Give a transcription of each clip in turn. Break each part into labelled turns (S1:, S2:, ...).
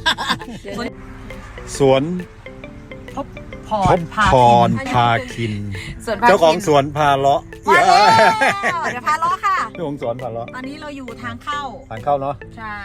S1: สวน
S2: พบพรพาคิน
S1: เจ้าของสวนพาเลาะ
S2: เดี๋ยวพาเลาะค่ะ
S1: เจ้าของสวนพาเลาะ
S2: ตอนนี้เราอยู่ทางเข้า
S1: เนาะ
S2: ใช่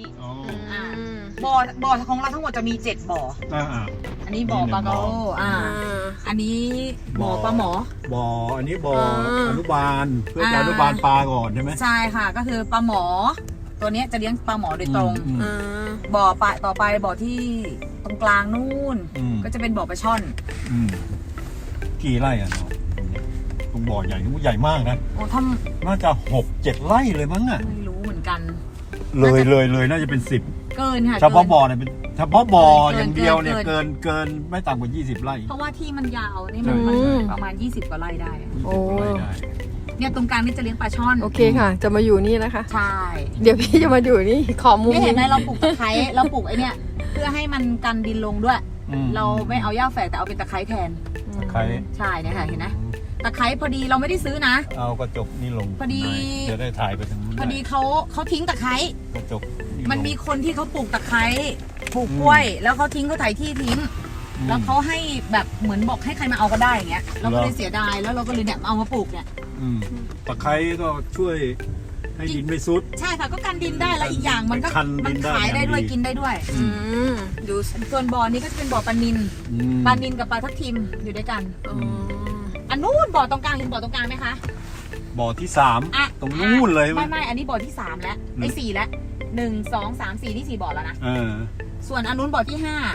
S2: บ่อของเราทั้งหมดจะมี7บ่ออันนี้บ่อปลาโกอันนี้บ่อปลาหมอ
S1: อันนี้บ่ออนุบาลเพื่ออนุบาลปลาก่อนใช่ไหม
S2: ใช่ค่ะก็คือปลาหมอตัวนี้จะเลี้ยงปลาหมอโดยตรงบ่อปลาต่อไปบ่อที่ตรงกลางนู่นก็จะเป็นบ่อปลาช่อน
S1: กี่ไร่อ่ะเนาะตรงบ่อใหญ่นี่ใหญ่มากนะ
S2: โอ้
S1: น่าจะ6-7 ไร่เลยมั้งอ่ะ
S2: ไม่รู้เหมือนกัน
S1: เลยน่าจะเป็น10
S2: เกินค่ะ
S1: เฉพาะบ่อเนี่ยเป็นเฉพาะบ่ออย่างเดียวเนี่ยเกินไม่ต่ำกว่า20 ไร่
S2: เพราะว่าที่มันยาวนี่มันประมาณ20 กว่าไร่ได้
S1: โอ้
S2: เนี่ยตรงกลางนี่จะเลี้ยงปลาช่อน
S3: โอเคค่ะจะมาอยู่นี่นะคะ
S2: ใช่
S3: เดี๋ยวพี่จะมาอยู่นี่ขอมุม
S2: นี่เห็นไหมเราปลูกตะไคร้เราปลูกไอ้เนี่ยเพื่อให้มันกันดินลงด้วยเราไม่เอาหญ้าแฝกแต่เอาเป็นตะไคร้แทน
S1: ตะไคร้
S2: ใช่เนี่ยค่ะเห็นไหมตะไคร้พอดีเราไม่ได้ซื้อนะ
S1: เอากระจกนี่ลง
S2: พอดี
S1: จะได้ถ่ายไปทางนู้น
S2: พอดีเขาทิ้งตะไคร้
S1: กระจก
S2: มันมีคนที่เขาปลูกตะไคร้ปลูกกล้วยแล้วเขาทิ้งเขาถ่ายที่ทิ้งแล้วเขาให้แบบเหมือนบอกให้ใครมาเอาก็ได้อย่างเงี้ยเราก็เลยเสียดายแล้วเราก็เลยเนี่ยเอามาปลูกเนี่ย
S1: ตะไคร้ก็ช่วยให้ดินไม่ซุด
S2: ใช่ค่ะก็กันดินได้แล้วอีกอย่างมันขายได้ด้วยกินได้ด้วยดูส่วนบ่อนี้ก็จะเป็นบ่อปลานิลกับปลาทับทิมอยู่ด้วยกันอันนู้นบ่อตรงกลางเห็นบ่อตรงกลางไหมคะ
S1: บ่อที่3ตรงนู้นเลย
S2: ไม่อันนี้บ่อที่3แล้วไอ้4แล้ว1 2 3 4นี่4บ่อแล้วนะส่วนอันนู้นบ่อที่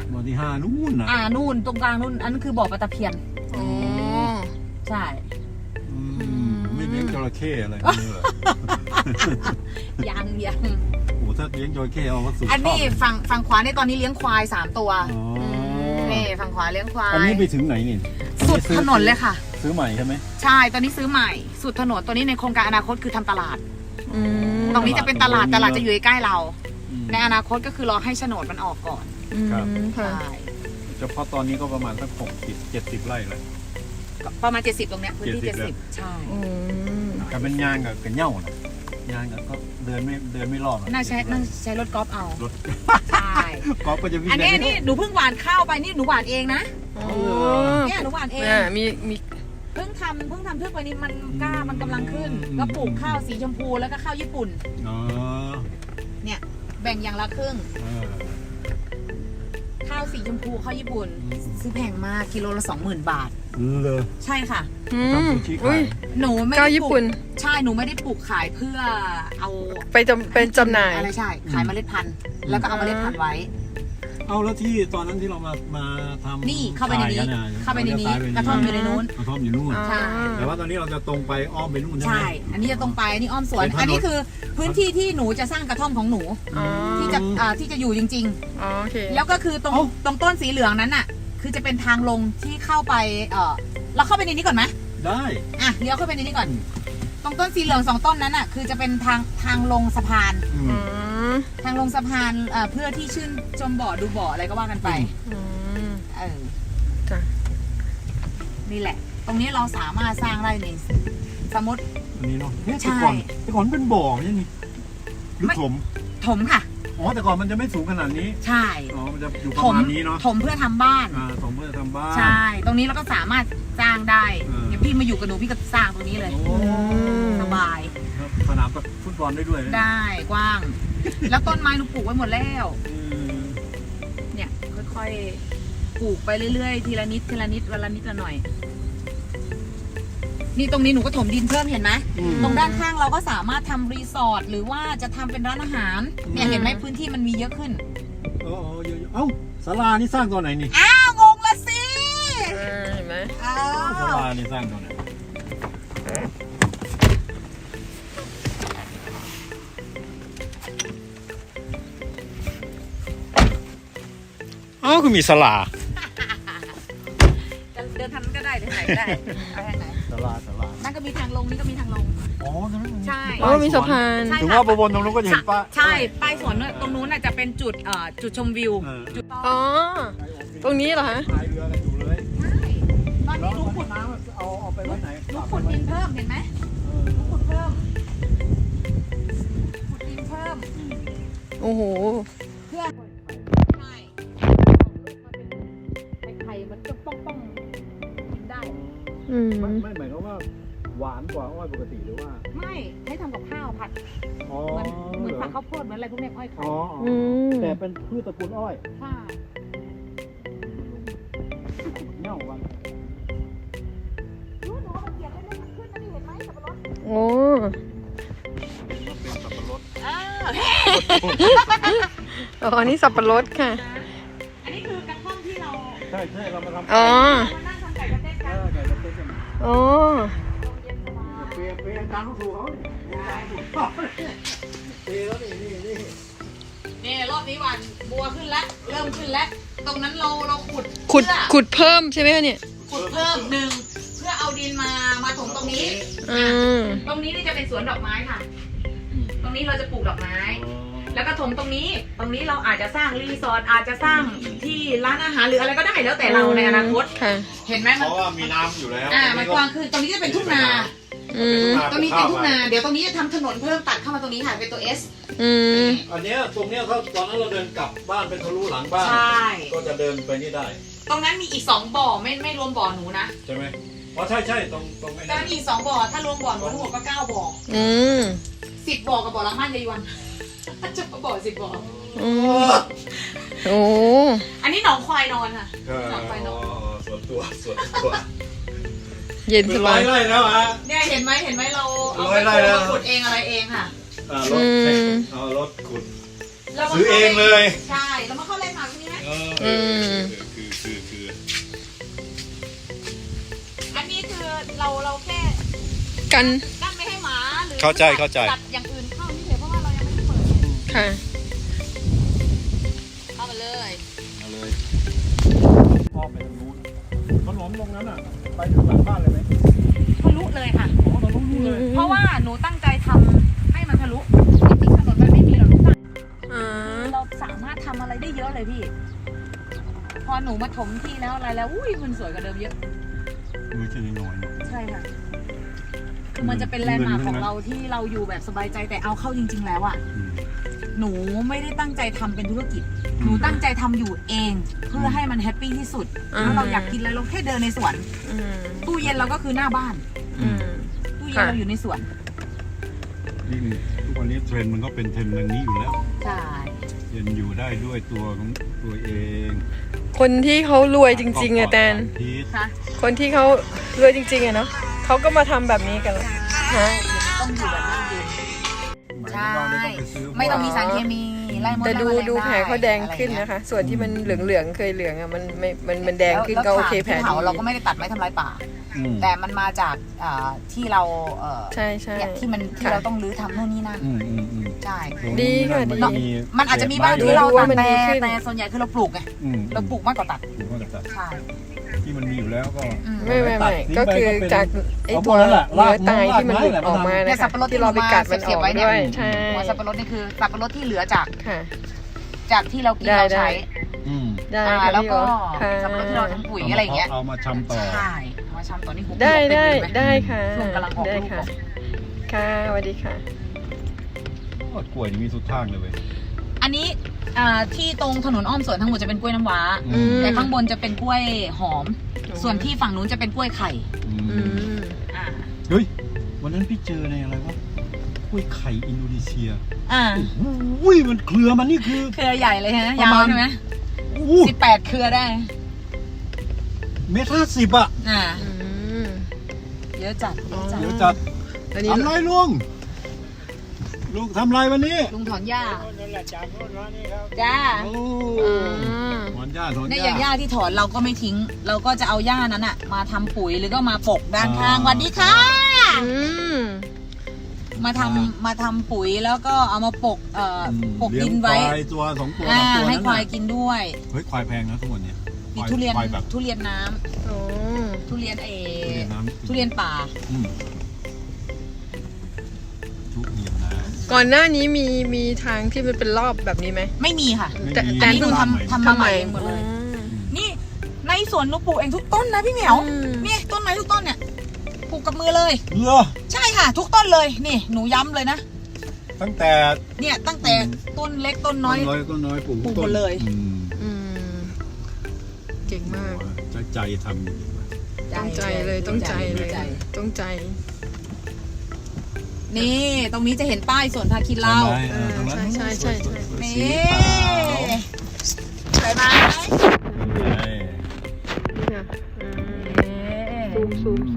S2: 5
S1: นู่นนะ
S2: นู่นตรงกลางนู่นอันนั้นคือบ่อปลาตะเพียนใช่
S1: ไม่เลี้ยงจระเข้อะไรนี่เหรอ
S2: ยัง
S1: โอ้ถ้าเลี้ยงจระเข้เอาก็สุด
S2: อันนี้ฝั่งขวาในตอนนี้เลี้ยงควาย3ตัวนี่ฝั่งขวาเลี้ยงควาย
S1: อันนี้ไปถึงไหนนี่
S2: สุดถนนเลยค่ะ
S1: ซื้อใหม่ใช่ไหม
S2: ใช่ตอนนี้ซื้อใหม่สุดถนนตัวนี้ในโครงการอนาคตคือทำตลาดตรงนี้จะเป็นตลาดจะอยู่ใกล้เราในอนาคตก็คือรอให้โฉนดมันออกก่อน
S1: ใช่เฉพาะตอนนี้ก็ประมาณสัก60-70 ไร่เลย
S2: ประมาณ70ตรงเนี้ยพื้นที่70ใช่
S1: กับเป็นยางกับเง่านะยางกับก็เดินไม่รอด
S2: น่าใช้รถกอล์ฟเอา
S1: รถ
S2: ใช่
S1: กอล์ฟก็จะวิ่ง
S2: อันนี้หนูเพิ่งหว่านข้าวไปนี่หนูหว่านเองนะเนี่ยหนูหว่านเอง
S3: มี
S2: เพิ่งทำเพื่อไปนี่มันกล้ามันกำลังขึ้นก็ปลูกข้าวสีชมพูแล้วก็ข้าวญี่ปุ่นเนี่ยแบ่งอย่างละครึ่งข้าวสีชมพูข้าวญี่ปุ่นซื้อแพงมากกิโลละ 20,000 บาท
S1: เลย
S2: ใช่ค่ะหนูไม่
S3: ได้ปลูก
S2: ใช่หนูไม่ได้ปลูกขายเพื่อเอา
S3: ไปเป็นจำหน่าย
S2: อะไรใช่ขายเมล็ดพันธุ์แล้วก็เอาเมล็ดพันธุ์ไว้
S1: เอาแล้วที่ตอนนั้นที่เรามาทำ
S2: นี่เข้าไปในนี้กระท่อมอยู่ในนู้น
S1: กระท่อมอยู่นู่นใช่แต่ว่าตอนนี้เราจะตรงไปอ้อมไปนู่นใช่ไหม
S2: ใช่อันนี้จะตรงไปอันนี้อ้อมสวนอันนี้คือพื้นที่ที่หนูจะสร้างกระท่อมของหนูที่จะอยู่จริงๆแล้วก็คือตรงต้นสีเหลืองนั้นน่ะคือจะเป็นทางลงที่เข้าไปเราเข้าไปในนี้ก่อนไหม
S1: ได้
S2: เลี้ยวเข้าไปในนี้ก่อนตรงต้นสีเหลือง2 ต้นนั้นน่ะคือจะเป็นทางลงสะพานทางลงสะพานเพื่อที่ชื่นชมบ่อดูบ่ออะไรก็ว่ากันไปนี่แหละตรงนี้เราสามารถสร้างได้ในสมมติ
S1: อันนี้เนาะแต่ก่อนเป็นบ่อยังไงหรือ
S2: ถมค่ะ
S1: อ๋อแต่ก่อนมันจะไม่สูงขนาดนี้
S2: ใช่
S1: อ๋อมันจะอยู่ประมาณนี้เนาะ
S2: ถมเพื่อทำบ้าน
S1: ถมเพื่อทำบ้าน
S2: ใช่ตรงนี้เราก็สามารถสร้างได้เดี๋ยวพี่มาอยู่กับหนูพี่ก็สร้างตรงนี้เลยสบาย
S1: สนามฟุตบอลได้ด้วย
S2: ได้กว้างแล้วต้นไม้หนูปลูกไว้หมดแล้วเนี่ยค่อยๆปลูกไปเรื่อยๆทีละนิดวันละนิดละหน่อยนี่ตรงนี้หนูก็ถมดินเพิ่มเห็นไหมตรงด้านข้างเราก็สามารถทำรีสอร์ทหรือว่าจะทำเป็นร้านอาหารเนี่ยเห็นไหมพื้นที่มันมีเยอะขึ้น
S1: เยอะเอ้าศาลานี่สร้างตัวไหนนี่
S2: งงละสิ
S3: เห็นไหม
S1: ศาลานี่สร้างตัวไหนคือมีศาลา
S2: เดินทางนั้นก็ได้เดินไหนก็ได้เอาทางไหน
S1: ศาลา
S2: นั่นก็มีทางลงนี่ก็มีทางลงใช่
S3: มีสะพาน
S1: ถึงว่าบนตรงนู้นก็เห็นป้า
S2: ใช่ป้ายสวนตรงนู้นจะเป็นจุดชมวิวจุด
S3: ตรงนี้เหรอฮะ
S1: พายเรือกันอยู่เลย
S2: ตอนนี้หนูขุด
S1: น้ำเอาไปไว้ไหน
S2: หนูขุดดินเพิ่มเห็นไหมหนูขุดเพิ่มขุดดินเพิ่ม
S3: โอ้โห
S2: เพื่อ
S1: ไม่หมายความว่าหวานกว่าอ้อยปกติหรือว่า
S2: ไม่ให้ทำกับข้าวผัด
S1: อ๋อ
S2: เหมือนผัดข้าวโพดเหมือนอะไรพวกเนี้ยอ้อยไข่
S1: อ๋อ
S3: อืม
S1: แต่เป็นพืชตระกูลอ้อย
S2: ใช่
S1: เน่าวัน
S2: รู้หนูว่ามันเกี่ยวกันเรื่องมันขึ้นนะนี่เห็นไหมสับปะรด
S3: โอ้
S1: มันเป็นสับปะรด
S3: อ๋อนี่สับปะรดค่ะ
S2: อันนี้คือกระท่อมที่เรา
S1: ใช่เรามาทำ
S3: อ๋อ
S2: มานั่งทำไก่กระเต้นกัน
S1: ไก่กระเทียม
S3: อ๋อ
S1: เปลี่ยนตามลูกถูกเขาเปลี่ยนแล้วนี่
S2: นี่รอบนี้หวานบัวขึ้นแล้วเริ่มขึ้นแล้ว ตรงนั้นเราขุด
S3: ขุด
S2: เพื่อ
S3: ขุดเพิ่มใช่ไหมคะเนี่ย
S2: ขุดเพิ่มหนึ่งเพื่อเอาดินมาถมตรงนี้
S3: อืม
S2: ตรงนี้นี่จะเป็นสวนดอกไม้ค่ะ ตรงนี้เราจะปลูกดอกไม้ แล้วก็ถมตรงนี้เราอาจจะสร้างรีสอร์ทอาจจะสร้างที่ร้านอาหารหรืออะไรก็ได้แล้วแต่เราในอนาคต
S3: ค่ะ
S2: เห็นไหม
S1: เพ
S2: มัน
S1: ราะว่ามีน้ำอยู่แล้ว
S2: มันกว้างขึ้นตรงนี้จะเป็นทุ่งนา
S3: อืม
S2: ตรงนี้เป็นทุ่งนา เดี๋ยวตรงนี้จะทำถนนเพิ่มตัดเข้ามาตรงนี้ค่ะเป็นตัว S
S3: อืม
S1: อันเนี้ยตรงเนี้ยถ้าตอนนั้นเราเดินกลับบ้านเป็นทะลุหลังบ้าน
S2: ใช่
S1: ก็จะเดินไปนี่ได้
S2: ตรงนั้นมีอีก2บ่อไม่รวมบ่อหนูนะ
S1: ใช่ไหมอ๋อใช่ตรงไอ้
S2: แต่
S1: นั่น
S2: มันมีอีก2บ่อถ้ารวมบ่อหนูทั้งหมดก็9บ่อ
S3: อืม
S2: 10บ่อกับบ่อละมั่นยายวันจะบ่อ10บ่อ
S3: อืมโอ้
S2: อันนี้หนองควายนอนค่ะ หนองควายนอน
S1: ส่วนตัว
S3: เย็นสบาย
S1: ไร่แล้วฮะ
S2: เนี่ยเห็นไหมเราเอา
S1: ร้อยไร่
S2: ไป
S1: แล้ว
S2: ขุดเองอะไรเองค่ะ
S1: รถเอารถขุด
S2: เรามา
S1: ซื้อเองเลย
S2: ใช่เรามาเข้าเล่นหมากตรงนี้ไหม
S1: คือ
S2: อันนี้คือเราแค่
S3: กัน
S2: กั้นไม่ให้หมาหรือ
S1: เข้าใจ
S2: จัดอย่างอื่นเข้านี่เฉยเพราะว่าเรายังไม่ได้เปิด
S3: ค่ะ
S2: เข้ามาเลย
S1: เอาเลยพ่อไปทางนู้นขนมตรงนั้นอ่ะ ไปถึงหลังบ้านเลยไหม
S2: ทะลุเลยค่ะ
S1: อ๋อเราต้องรู้เลย
S2: เพราะว่าหนูตั้งใจทำให้มันทะลุจริงๆถนนมันไม่มีหรอกลูกตั้ง
S3: อ่า
S2: เราสามารถทำอะไรได้เยอะเลยพี่ พอหนูมาถมที่แล้วอะไรแล้วอุ้ยมันสวยกว่าเดิมเยอะ
S1: มือจะน้อย
S2: ใช่ค่ะคือมันจะเป็นแลนด์มาร์คของเราที่เราอยู่แบบสบายใจแต่เอาเข้าจริง ๆ แล้วอะหนูไม่ได้ตั้งใจทำเป็นธุรกิจ หนูตั้งใจทำอยู่เอง เพื่อให้มันแฮปปี้ที่สุดแล้วเราอยากกินอะไรเราแค่เดินในสวน
S3: อืม
S2: ตู้เย็นเราก็คือหน้าบ้าน
S3: อืม
S2: ตู้เย็นเราอยู่ในสวน
S1: นี่ทุกวันนี้เทรนด์มันก็เป็นเทรนด์อย่างนี้อยู่แล้ว
S2: ใช่
S1: เย็นอยู่ได้ด้วยตัวของตัวเอง
S3: คนที่เขารวยจริงๆอะแตน
S1: พีช
S2: ค่ะ
S3: คนที่เขารวยจริงๆอะเนาะเขาก็มาทำแบบนี้กันแล้วฮะ
S2: ต้องอยู่แบบนั่งยืน ใช่
S1: ไม่
S2: ไม่
S1: ต้
S2: ต้
S1: อ
S2: อง ง
S1: ไป
S2: มี
S1: ซื้อ
S2: สารเคมีไล่มด
S3: แต่
S2: ไล่แมลง
S3: ดูแผลเขาแดงขึ้น
S2: ได้
S3: นะคะ ส่วนที่มันเหลืองๆเคยเหลืองอะมันแดงขึ้นก็โอเคแผล
S2: แล้ว
S3: ดี
S2: เราก็ไม่ได้ตัดไม้ทำลายป่า
S1: อืม
S2: แต่มันมาจากที่เรา
S3: ใช่ใช่
S2: เนี่ยที่เราต้องรื้อทำโน่นนี่นั่น
S1: อืม
S2: ใช่
S3: ดีค่ะ
S1: มัน
S3: ดี
S2: มันอาจจะมีบ้างที่เราตัดแต่ส่วนใหญ่คือเราปลูกไง
S1: อืม
S2: เราปลูกมากกว่าตัด
S1: ปลูกมากกว่าตัด
S2: ใช่
S1: ที่มันมีอยู่แล้วก็
S3: ไม่
S1: ตัด
S3: ก็คือจากไอ้ตัว
S1: เอาหมดแล้วล่ะ
S3: เนื้อตายที่มันหลุด
S1: รากไม้
S3: ออกมา
S2: เนี่
S3: นะ
S2: ยสั
S3: คะ
S2: บปะรด
S3: ที่เราไปกัดมันออกด้วย ใช่
S2: หัวสับปะรดนี่คือสับปะรดที่เหลือจาก
S3: ค่ะ
S2: ที่เรากิน
S3: ได้
S2: เราใช้
S1: อืม
S3: ได้ค่ะ
S2: แล้ว
S3: พี่
S2: ก็
S3: ค่ะ
S2: สับปะรดที่เราทำปุ๋ยอะไรอย่างเงี้ย
S1: เอามาชำต่อ
S2: ใช่มาชำตอนนี้หุบ
S3: ได้
S2: เต็ม
S3: ได้
S2: เลยไหม
S3: ได้ค่ะ
S2: ช่วงกำลังออก
S3: ได้
S2: ลูก
S3: ค่ะ
S2: ออก
S3: ค่ะสวัสดีค่ะ
S1: โอ้ยกล้วยนี่มีสุดทางเลยเว้ย
S2: อันนี้ที่ตรงถนนอ้อมสวนทั้งหมดจะเป็นกล้วยน้ำว้า
S3: อืม
S2: แต่ข้างบนจะเป็นกล้วยหอม ส่วนที่ฝั่งนู้นจะเป็นกล้วยไข่
S1: อื
S3: อื
S1: ม
S3: ม
S2: อ่า
S1: เฮ้ยวันนั้นพี่เจอในอะไรวะกล้วยไข่อินโดนีเซีย อุ้ยมันเครือมันนี่คือ
S2: เครือใหญ่เลยฮะ
S1: ประ
S2: ยาว
S1: มาณ
S2: ใช่ไหม
S1: อู้
S2: 18 เครือได้
S1: 1.50 อ่ะ
S2: อ่า
S3: อืม
S2: เยอะจัดเยอะจัด
S1: เดี๋ยวจัด
S3: อันนี้
S1: ทำไรลุงทำไรวันนี้
S2: ลุงถอนหญ้าจ้า
S1: โอ้
S3: อืม
S1: ถอนหญ้าถอน
S2: เนี่ย
S1: ห
S2: อย่างห
S1: ญ้า
S2: ญ้าที่ถอนเราก็ไม่ทิ้ง เราก็จะเอาหญ้านั้นอะมาทำปุ๋ยหรือก็มาปกด้านข้าง
S1: อ่า
S2: สวัสดีค่ะ
S3: อืม
S2: มาทำปุ๋ยแล้วก็เอามาปกปกดินไว้
S1: เลี้ยงควายตัว2 ตัว3 ตัว
S2: ให้
S1: นั้น
S2: ควาย
S1: น่ะ
S2: กินด้วย
S1: เฮ้ยควายแพงนะทุกวันเนี้ย
S2: มีทุเรียน
S1: ควายแบบ
S2: ทุเรียนน้ำ
S3: โอ้
S2: ทุเรียน
S1: ทุเรียนน้ำ
S2: ทุเรียนป่า
S1: อืมทุเรียนน้
S3: ก่อนหน้านี้มีทางที่มันเป็นรอบแบบนี้ไหม
S2: ไม่มีค่ะ
S1: ำไม่
S3: แต่
S1: มี
S3: แต่
S2: นี่หนู
S1: บ้านใหม่
S2: ทำมาใหม่เองหมดเลย
S3: อืม
S2: นี่ในสวนหนูปลูกเองทุกต้นนะพี่เหมียว
S3: อืม
S2: นี่ต้นไม้ทุกต้นเนี่ยปลูกกับมือเลย
S1: เหรอ
S2: ใช่ค่ะ ทุกต้นเลยนี่หนูย้ำเลยนะ
S1: ตั้งแต่
S2: เนี่ยตั้งแต่ต้นเล็กต้นน้อย
S1: ต้นน้อยปลูก
S2: ปลูกหมดเลย
S1: อืม
S3: อืมเก่งมาก
S1: ใจทำจริงๆว่ะ
S3: ต้องใจเลยต้องใจเลยต้องใจ
S2: นี่ตรงนี้จะเห็นป้ายสวนพาคินเรา
S3: ใช่
S2: นี่สวยไหม
S3: ซูม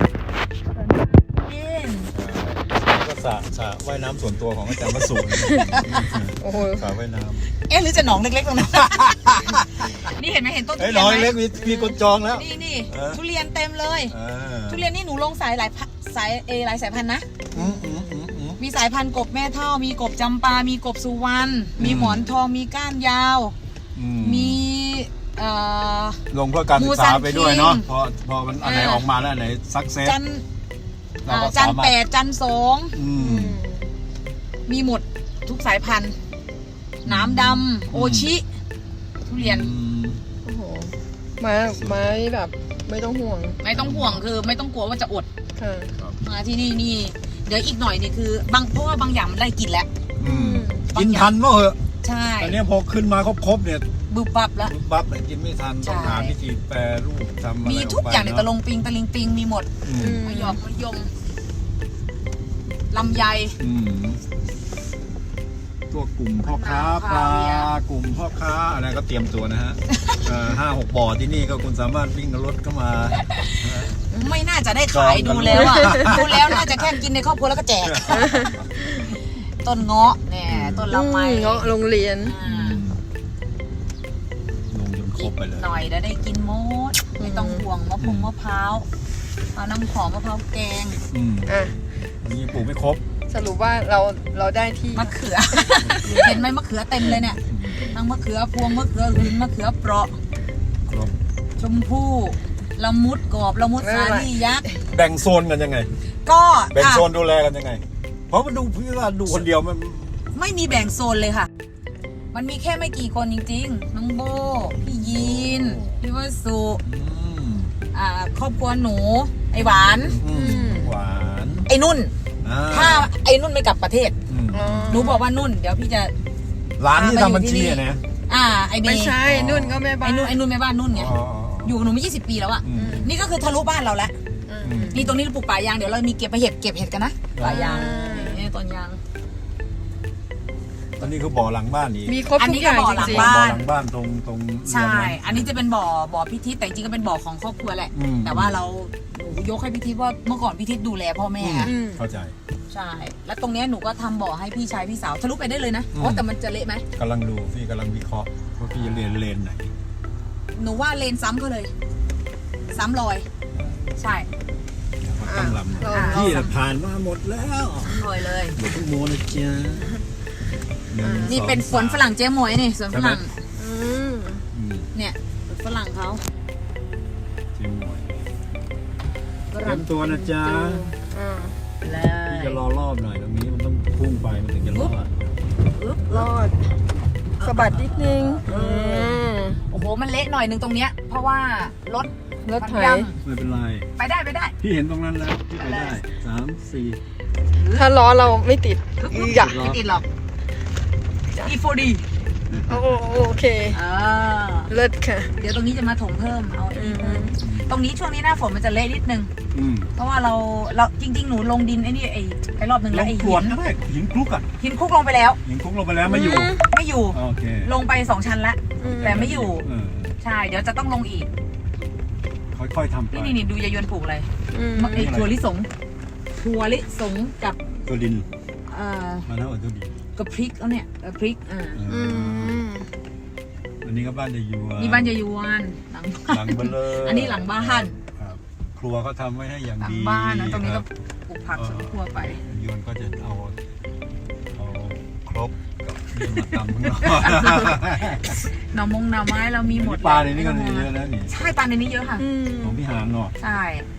S2: นี่
S1: ก็สระว่ายน้ำส่วนตัวของอาจารย์วสุ
S3: โอ้โห
S1: สระว่ายน้
S2: หรือจะหนองเล็กๆตรงนั้น นี่เห็นไหมเห็นต้น
S1: ำ
S2: ทุ
S1: เฮ้ย
S2: เรียน
S1: น้อย
S2: ไหม
S1: เล็กมีคนจองแล้ว
S2: นี่ทุเรียนเต็มเลย
S1: อ่า
S2: ทุเรียนนี่หนูลงสายหลายสายพันธุ์นะ
S1: อืม
S2: มีสายพันธุ์กบแม่เท่า มีกบจำปา มีกบสุวรรณ มีหมอนทอง มีก้านยาว มี
S1: ลงเพื่อการศึกษาไปด้วยเนาะพอมันอันไหน
S2: อ่า
S1: ออกมาแล้วอันไหนซักเซส
S2: จันแปดจันสอง
S1: ม
S2: มีหมดทุกสายพันธุ์น้ำดำโอชิ ทุเรียน
S3: โอ้โหไม้แบบไม่ต้องห่วง
S2: ไม่ต้องห่วงคือไม่ต้องกลัวว่าจะอด
S3: ค่ะ
S2: มาที่นี่เดี๋ยวอีกหน่อยนี่คือบางเพราะว่าบางอย่างมันได้กินแล้ว
S1: กินทันเมื่อเหอะ
S2: ใช่
S1: แต่เนี้ยพอขึ้นมาครบเนี่ย
S2: บึบบับแล้ว
S1: บับเนี่ยกินไม่ทันต้องหาวิธีแปรรูปทำอะไร
S2: มีทุกอย่างใน
S1: กไป
S2: ตะลงปิงตะลิงปิงมีหมด
S1: อืม
S2: มะยอกมะยมลำไย
S1: อืมตัวกลุ่มพ่อค้าปลากลุ่มพ่อค้าอะไรก็เตรียมตัวนะฮะ 5-6 บ่อที่นี่ก็คุณสามารถวิ่งรถเข้ามา
S2: ไม่น่าจะได้ขายดูแล้วอ่ะ ดูแล้วน่าจะแค่กินในครอบครัวแล้วก็แจก ต้นเงาะเนี่ยต้นลำไย
S3: เงาะโรงเรียน
S1: ลงจนครบไปเลย
S2: หน่อยได้กินหมดไม่ต้องห่วงมะพร้าวเอาน้ำหอมมะพร้าวแกง
S3: อ่ะ
S1: วันนี้ปลูกไม่ครบ
S3: สรุปว่าเราได้ที่
S2: มะเขือ เห็นไหมมะเขือเต็มเลยเนี่ยทั้งมะเขือพวงมะเขือหืนมะเขือเปราะ
S1: ครบ
S2: ชมพู่ละมุดกรอบละมุดสาลี่ยักษ์
S1: แบ่งโซนกันยังไง
S2: ก็
S1: แบ่งโซนดูแลกันยังไง เพราะมันดูพี่ว่าดูคนเดียวมัน
S2: ไม่มีแบ่งโซนเลยค่ะ มันมีแค่ไม่กี่คนจริงๆ น้องโบ พี่ยีน พี่วสุ ครอบครัวหนู ไอหวาน
S1: หวาน
S2: ไอ้นุ่น
S1: อ่า
S2: ถ้าไอ้นุ่นไม่กลับประเทศ
S3: อ๋อ
S2: หนูบอกว่านุ่น เดี๋ยวพี่จะ
S1: ร้านที่ทำบัญชีอะนะ
S2: ไอเม
S3: ไม่
S2: ย์
S3: ใช่นุ่นก็แม่บ้า
S2: ไอ้
S3: น
S2: นุ่นแม่บ้านนุ่นไง
S1: อ๋อ
S2: อยู่กับหนูมา20 ปีแล้วอะ
S1: อืม
S2: นี่ก็คือทะลุบ้านเราแล้ว
S3: อืม
S2: นี่ตรงนี้เราปลูกป่ายาง เดี๋ยวเรามีเก็บเห็ดกันนะ ป่ายางนี่ต้นยาง
S1: ตอนนี้คือบ่อหลังบ้านอีก
S3: มีครบทุกอย่าง
S2: อันนี้ก็บ่อหลั
S3: จ
S2: ง
S3: ริง
S2: บ้าน
S1: บ่อหลังบ้านตรงเรือน
S2: ใช่
S1: นั้น
S2: อันนี้จะเป็นบ่อพิทิศแต่จริงๆก็เป็นบ่อของครอบครัวแหละ
S1: อืม
S2: แต่ว่าเราหนูยกให้พิทิศว่าเมื่อก่อนพิทิศดูแลพ่อแม่
S3: ๆอืม
S1: เข้าใจ
S2: ใช่ แล้วตรงเนี้ยหนูก็ทำบ่อให้พี่ชายพี่สาวทะลุไปได้เลยนะ
S1: อืม
S2: โอ้แต่มันจะเละไหม
S1: กำลังดูพี่กำลังวิเคราะห์ว่าพี่จะเรียนเลนไหน
S2: หนูว่าเลนซ้ำเขาเลย ซ้ำรอย ใช่
S1: เขาตั้งลำ
S3: อ่า
S1: พี่น่ะผ่านมาหมดแล้ว
S2: รอยเลย
S1: เดี๋ยวพวกโมนะจ๊ะหง
S2: นี่เป็น
S1: ส
S2: สวนฝรั่งเจ๊หมวยนี่สวนฝรั่ง
S3: อืม
S1: อืม
S2: เนี่ยสวนฝรั่งเขา
S1: เจ๊หมวย
S2: ฝ
S1: เตรี
S2: รั่
S1: ย
S2: ง
S1: มตัวนะจ๊ะ
S3: อ่า
S2: เล
S1: พี่
S2: ย
S1: จะรอรอบหน่อยตรงนี้มันต้องพุ่งไปมันถึงจะรอด
S2: ปึ๊บ
S3: รอดสะบัดนิดนึงอืม
S2: โอ้โหมันเละหน่อยนึงตรงเนี้ยเพราราะว่ารถ
S3: รถไถ
S2: มันยัง
S1: ไม่เป็นไร
S2: ไปได้
S1: พี่เห็นตรงนั้นแล้วพี่ไปได้3-4
S3: ถ้าล้อเราไม่ติดอย่า
S2: ไม่ติดหรอก E4D
S3: โอเค เลิศค่ะ
S2: เดี๋ยวตรงนี้จะมาถมเพิ่มเอาไอ้นี่เพิ่ม
S3: อืม
S2: ตรงนี้ช่วงนี้หน้าฝนมันจะเละนิดนึง
S1: อืม
S2: เพราะว่าเราจริง ๆ หนูลงดินไอ้นี่ไอ้รอบนึง
S1: ล
S2: แล้ว
S1: ง
S2: ไอ้
S1: กร
S2: หิ
S1: วด
S2: น
S1: ก็ได้หินคลุกอ่ะ
S2: หินคุกลงไปแล้ว
S1: หินคลุกลงไปแล้วไม่อยู่
S2: ไม่อยู่
S1: โอเค
S2: ลงไป2 ชั้นละ
S3: อืม
S2: แต่ไม่อยู่
S1: เออ
S2: ใช่ เดี๋ยวจะต้องลงอีก
S1: ค่อยๆทำไป
S2: นี่ดูยายยวนปลูกอะไร
S3: อืม
S2: ไอ้ถั่วลิสงกับ
S1: ตัวดิน
S2: เอ่อ
S1: มาแล้วตัวดิน
S2: กับพริกเอาเนี่ยพริก
S3: อื
S1: เออ
S3: ม
S1: อันนี้ก็บ้านยายยวน
S2: นี่บ้านยายยวนหลังบ้า
S1: หลั
S2: น
S1: งเบลอ
S2: อันนี้หลังบ้าน
S1: ครับครัวเขาทำไว้ให้อย่าง
S2: หลัง
S1: ดี
S2: บ้านนะตรงนี้
S1: ค
S2: ก็
S1: บ
S2: ปลูกผักสวนครัวไป
S1: ยวนก็จะเอาครบกับนี่มาตำข้างนอก
S2: หน่อหน่อไม้เรามีหมด
S1: ปลาในนี้ก็เยอะนะนี่
S2: ใช่ปลาในนี้เยอะค่ะ
S3: อืม
S1: ของพี่หานเนาะ
S2: ใช่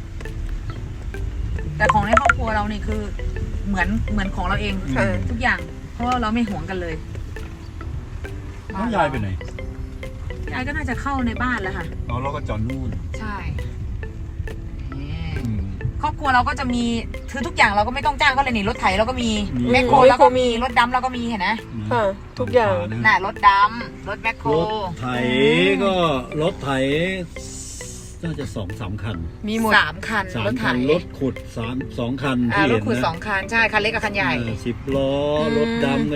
S2: แต่ของในครอบครัวเรานี่คือเหมือนของเราเอง
S3: ค่ะ
S2: ทุกอย่าง เพราะว่าเราไม่หวงกันเลย
S1: น้องยายไปไหน
S2: ยายก็น่าจะเข้าในบ้านแล้วค่ะ
S1: เราก็จอดนู่น
S2: ใช่นี่
S1: อืม
S2: ครอบครัวเราก็จะมีคือทุกอย่างเราก็ไม่ต้องจ้างก็เลยนี่รถไถเราก็มี
S1: มี
S2: แมคโครเราก็มีรถดำเราก็มีเห็นไหม
S3: ค่ะ ทุกอย่าง
S2: น่ะรถดำรถแมคโคร
S1: รถไถก็รถไถน่าจะ2-3 คัน
S3: มีหมด
S2: 3 คัน
S1: 3
S2: รถไถ
S1: คันรถขุด2 คันที่
S2: ร
S1: เห็
S2: ถ
S1: น
S2: ขุด
S1: นะ
S2: 2 คัน ใช่ คันเล็กกับคันใหญ่
S1: 10 ล้อรถดำกัน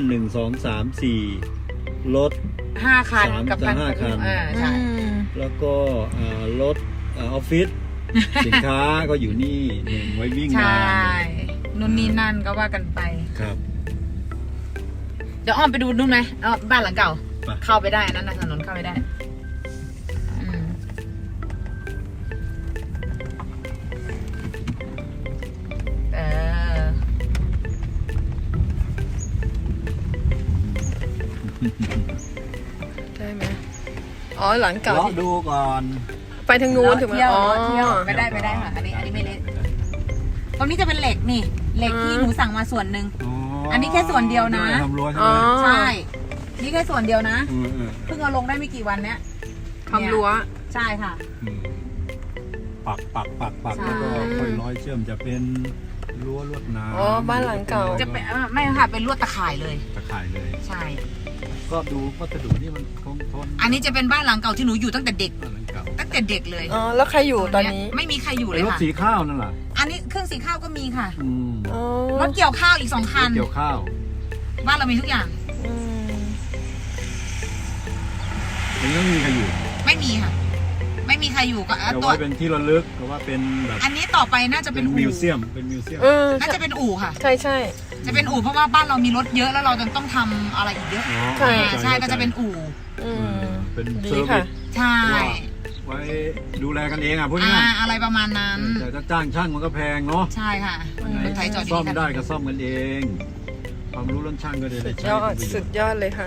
S1: 1-2-3-4รถ
S2: 5 คัน
S1: 3
S2: กับคัน
S1: 5 คัน
S2: ใช่
S1: แล้วก็รถออฟฟิศ สินค้าก็อยู่นี่หนึ่งไว้วิ่ง
S2: ใช่
S1: งาน
S2: นู่นนี่นั่นก็ว่ากันไป
S1: ครับ
S2: เดี๋ยวอ้อมไปดูนู่นไหมบ้านหลังเก่า
S1: ไป
S2: เข้าไปได้นั่นนะถนนเข้าไปได้อืมเออ
S3: ได้ไหมอ๋อหลังเก่า
S1: เลาะ
S3: ที่
S1: ดูก่อน
S3: ไปทางนู้นถูกไหม
S2: เที่ยว
S3: อ๋อ
S2: เที่ยวไปได้ค่ะอันนี้ไม่เละตรงนี้จะเป็นเหล็กนี่ เหล็กที่หนูสั่งมาส่วนหนึ่ง อันนี้แค่ส่วนเดียวนะ
S1: ทำรั้วใช่
S3: อ๋
S1: ไห
S3: อ
S1: ม
S2: ใช่ นี่แค่ส่วนเดียวนะ
S1: อืม
S2: เพิ่งเอาลงได้ไม่กี่วันเนี้ย
S3: ทำรั้ว
S2: ใช่ค่ะ
S1: ปัก
S2: ใช่
S1: แล้วก็ค่อยร้อยเชื่อมจะเป็นรั้วลวดหนาม
S3: อ๋อบ้านหลังเก่า
S2: จะเป็นไม่ค่ะเป็นลวดตะข่ายเลย
S1: ตะข่ายเลย
S2: ใช่
S1: ก็ดูวัสดุนี่มันคงทน
S2: อันนี้จะเป็นบ้านหลังเก่าที่หนูอยู่ตั้งแต่เด็ก
S1: บ้านหลังเก่า
S2: ตั้งแต่เด็กเลย
S3: อ๋อแล้วใครอยู่ตอนนี้
S2: ไม่มีใครอยู่เล
S1: ไอ้
S2: ย
S1: รถ
S2: ค่ะ
S1: สีข้าวนั่นแหละ
S2: อันนี้เครื่องสีข้าวก็มีค่ะ
S1: อืม
S3: อ๋อ
S2: รถเกี่ยวข้าวอีก2 คัน
S1: เกี่ยวข้าว
S2: บ้านเรามีทุกอย่าง
S3: อืม
S1: มันก็ไม่มีใครอยู่
S2: ไม่มีค่ะ ไม่มีใครอยู่ก็
S1: แต่
S2: ตัว
S1: ว่าเป็นที่ระลึกหรือว่าเป็นแบบ
S2: อันนี้ต่อไปน่าจะ
S1: เป็
S2: เป็น นอู่
S1: มิวเซียมเป็นมิวเซียม
S2: น่าจะเป็นอู่ค่ะ
S3: ใช่ใช่
S2: จะเป็นอู่เพราะว่าบ้านเรามีรถเยอะแล้วเราจะต้องทำอะไรอีกเยอะ
S1: อ๋อ
S3: ใช่
S2: ใช่ก็จะเป็นอู่
S3: อืม
S1: เป็น
S3: ดี
S1: เซอร์วิ
S3: ค่ะ
S1: ส
S2: ใช่
S1: ไว้ดูแลกันเองอ่ะพูดง่าย
S2: อะไรประมาณนั้น
S1: แต่ถ้าจ้างช่างมันก็แพงเนาะ
S2: ใช่ค่ะรถไถจอดอยู่
S1: ซ่อม
S2: ที่
S1: ได้
S2: คัน
S1: ก็ซ่อมกันเอง ความรู้เรื่องช่างก็ได้
S3: สุด
S1: ใช้
S3: ยอด
S1: เป็นประโย
S3: สุ
S1: ช
S3: ด
S1: น์
S3: ยอดเลยค่ะ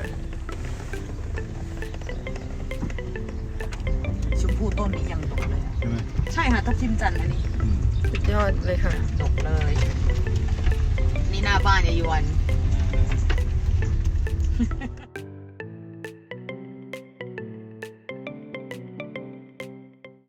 S2: ชมพู่ต้นนี้ยังดกเลย
S1: ใช่ไหม
S2: ใช่ค่ะทับทิมจันทร์อันนี้
S1: อืม
S3: สุดยอดเลยค่ะ
S2: ดกเลย นี่หน้าบ้านยายยวน